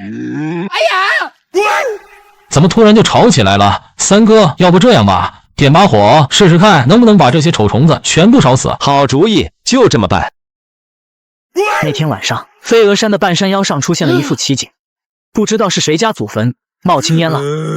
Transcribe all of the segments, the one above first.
哎呀！ 怎么突然就吵起来了？三哥，要不这样吧，点把火试试看，能不能把这些丑虫子全部烧死？ 好主意，就这么办。 那天晚上，飞鹅山的半山腰上出现了一副奇景，不知道是谁家祖坟冒青烟了。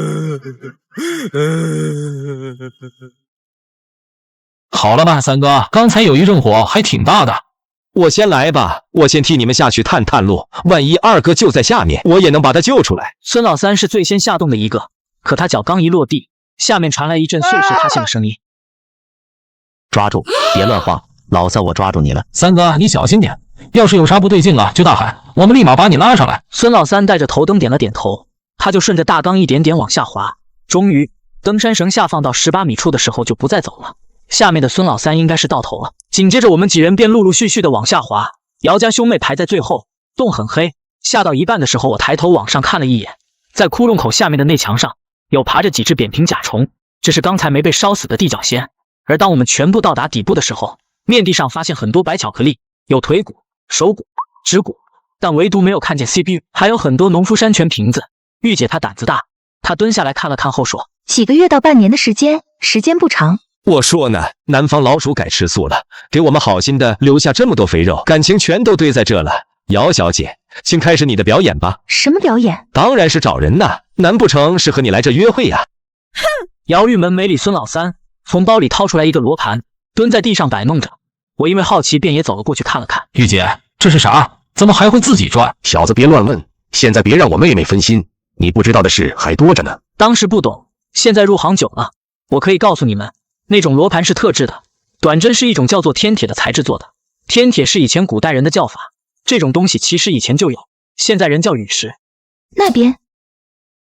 好了吧，三哥，刚才有一阵火还挺大的。 我先来吧，我先替你们下去探探路，万一二哥就在下面，我也能把他救出来。 孙老三是最先下洞的一个，可他脚刚一落地，下面传来一阵碎石塌陷的声音。 抓住，别乱晃，老三我抓住你了。 三哥，你小心点，要是有啥不对劲了就大喊，我们立马把你拉上来。 孙老三带着头灯点了点头，他就顺着大缸一点点往下滑，终于登山绳下放到18米处的时候就不再走了。下面的孙老三应该是到头了，紧接着我们几人便陆陆续续的往下滑，姚家兄妹排在最后。洞很黑，下到一半的时候，我抬头往上看了一眼，在窟窿口下面的内墙上有爬着几只扁平甲虫，这是刚才没被烧死的地脚仙。而当我们全部到达底部的时候，面地上发现很多白巧克力，有腿骨、手骨、指骨，但唯独没有看见 CPU， 还有很多农夫山泉瓶子。玉姐她胆子大，她蹲下来看了看后说， 几个月到半年的时间，时间不长。 我说呢，南方老鼠改吃素了，给我们好心的留下这么多肥肉，感情全都堆在这了。姚小姐，请开始你的表演吧。 什么表演？ 当然是找人呐，难不成是和你来这约会呀？ 哼！姚玉门没理孙老三，从包里掏出来一个罗盘，蹲在地上摆弄着。我因为好奇，便也走了过去看了看。 玉姐，这是啥？怎么还会自己转？ 小子别乱问，现在别让我妹妹分心，你不知道的事还多着呢。 当时不懂，现在入行久了，我可以告诉你们，那种罗盘是特制的，短针是一种叫做天铁的材质做的。天铁是以前古代人的叫法，这种东西其实以前就有，现在人叫陨石。 那边